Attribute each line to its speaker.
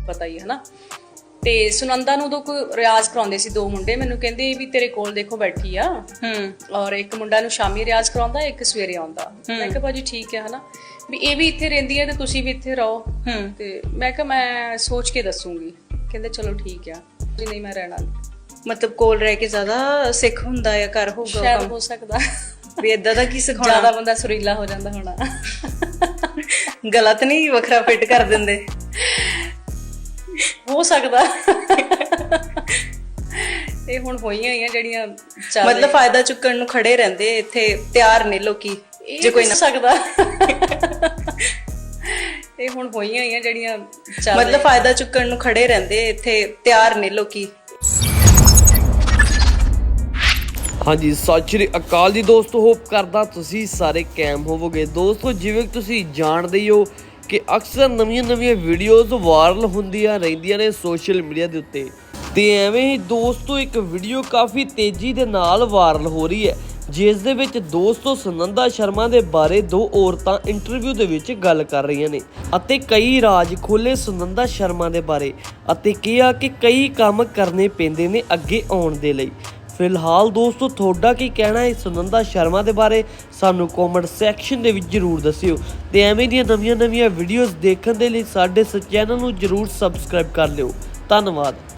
Speaker 1: ਪਤਾ ਹੀ ਹੈ ਨਾ। ਤੇ ਸੁਨੰਦਾ ਨੂੰ ਉਦੋਂ ਕੋਈ ਰਿਆਜ਼ ਕਰਾਉਂਦੇ ਸੀ 2 ਮੁੰਡੇ, ਮੈਨੂੰ ਕਹਿੰਦੇ ਵੀ ਤੇਰੇ ਕੋਲ ਦੇਖੋ ਬੈਠੀ ਆ, ਔਰ ਇੱਕ ਮੁੰਡਾ ਨੂੰ ਸ਼ਾਮੀ ਰਿਆਜ਼ ਕਰਾਉਂਦਾ, ਇੱਕ ਸਵੇਰੇ ਆਉਂਦਾ। ਮੈਂ ਕਿਹਾ ਭਾਜੀ ਠੀਕ ਹੈ ਹਨਾ, ਵੀ ਇਹ ਵੀ ਇੱਥੇ ਰਹਿੰਦੀ ਹੈ ਤੇ ਤੁਸੀਂ ਵੀ ਇੱਥੇ ਰਹੋ। ਤੇ ਮੈਂ ਕਿਹਾ ਮੈਂ ਸੋਚ ਕੇ ਦੱਸੂਗੀ। ਕਹਿੰਦੇ ਚਲੋ ਠੀਕ ਆ ਜੀ, ਨਹੀਂ ਮੈਂ ਰਹਿਣਾ।
Speaker 2: ਮਤਲਬ ਕੋਲ ਰਹਿ ਕੇ ਜ਼ਿਆਦਾ ਸਿੱਖ ਹੁੰਦਾ ਜਾਂ ਕਰ ਹੋਊਗਾ,
Speaker 1: ਸ਼ਾਇਦ ਹੋ ਸਕਦਾ
Speaker 2: ਵੀ ਏਦਾਂ ਦਾ ਕੀ ਸਿਖਾਉਣਾ,
Speaker 1: ਜ਼ਿਆਦਾ ਬੰਦਾ ਸੁਰੀਲਾ ਹੋ ਜਾਂਦਾ ਹੋਣਾ।
Speaker 2: ਗਲਤ ਨਹੀਂ ਵੱਖਰਾ ਫਿੱਟ ਕਰ ਦਿੰਦੇ,
Speaker 1: ਹੋ ਸਕਦਾ। ਇਹ ਹੁਣ ਹੋਈਆਂ ਹੀ ਆ ਜਿਹੜੀਆਂ
Speaker 2: ਮਤਲਬ ਫਾਇਦਾ ਚੁੱਕਣ ਨੂੰ ਖੜੇ ਰਹਿੰਦੇ ਇੱਥੇ, ਤਿਆਰ ਨੇ ਲੋਕੀ ਜੇ ਕੋਈ ਨਾ
Speaker 1: ਸਕਦਾ। ਇਹ ਹੁਣ ਹੋਈਆਂ ਹੀ ਆ ਜਿਹੜੀਆਂ
Speaker 2: ਮਤਲਬ ਫਾਇਦਾ ਚੁੱਕਣ ਨੂੰ ਖੜੇ ਰਹਿੰਦੇ ਇੱਥੇ, ਤਿਆਰ ਨੇ ਲੋਕੀ।
Speaker 3: ਹਾਂਜੀ, ਸਤਿ ਸ਼੍ਰੀ ਅਕਾਲ ਜੀ ਦੋਸਤੋ, ਹੋਪ ਕਰਦਾ ਤੁਸੀਂ ਸਾਰੇ ਕੈਮ ਹੋਵੋਗੇ। ਦੋਸਤੋ ਜਿਵੇਂ ਤੁਸੀਂ ਜਾਣਦੇ ਹੀ ਹੋ ਕਿ ਅਕਸਰ ਨਵੀਆਂ ਵੀਡੀਓਜ਼ ਵਾਇਰਲ ਹੁੰਦੀਆਂ ਰਹਿੰਦੀਆਂ ਨੇ ਸੋਸ਼ਲ ਮੀਡੀਆ ਦੇ ਉੱਤੇ, ਤੇ ਐਵੇਂ ਹੀ ਦੋਸਤੋ ਇੱਕ ਵੀਡੀਓ ਕਾਫੀ ਤੇਜ਼ੀ ਦੇ ਨਾਲ ਵਾਇਰਲ ਹੋ ਰਹੀ ਹੈ, ਜਿਸ ਦੇ ਵਿੱਚ ਦੋਸਤੋ ਸੁਨੰਦਾ ਸ਼ਰਮਾ ਦੇ ਬਾਰੇ 2 ਔਰਤਾਂ ਇੰਟਰਵਿਊ ਦੇ ਵਿੱਚ ਗੱਲ ਕਰ ਰਹੀਆਂ ਨੇ ਅਤੇ ਕਈ ਰਾਜ ਖੋਲੇ ਸੁਨੰਦਾ ਸ਼ਰਮਾ ਦੇ ਬਾਰੇ, ਅਤੇ ਕਿਹਾ ਕਿ ਕਈ ਕੰਮ ਕਰਨੇ ਪੈਂਦੇ ਨੇ ਅੱਗੇ ਆਉਣ ਦੇ ਲਈ। ਫਿਲਹਾਲ ਦੋਸਤੋ ਤੁਹਾਡਾ ਕੀ ਕਹਿਣਾ ਹੈ ਸੁਨੰਦਾ ਸ਼ਰਮਾ ਦੇ ਬਾਰੇ, ਸਾਨੂੰ ਕਮੈਂਟ ਸੈਕਸ਼ਨ ਦੇ ਵਿੱਚ ਜ਼ਰੂਰ ਦੱਸਿਓ। ਤੇ ਐਵੇਂ ਦੀਆਂ ਨਵੀਆਂ ਵੀਡੀਓਜ਼ ਦੇਖਣ ਦੇ ਲਈ ਸਾਡੇ ਇਸ ਚੈਨਲ ਨੂੰ ਜ਼ਰੂਰ ਸਬਸਕ੍ਰਾਈਬ ਕਰ ਲਿਓ। ਧੰਨਵਾਦ।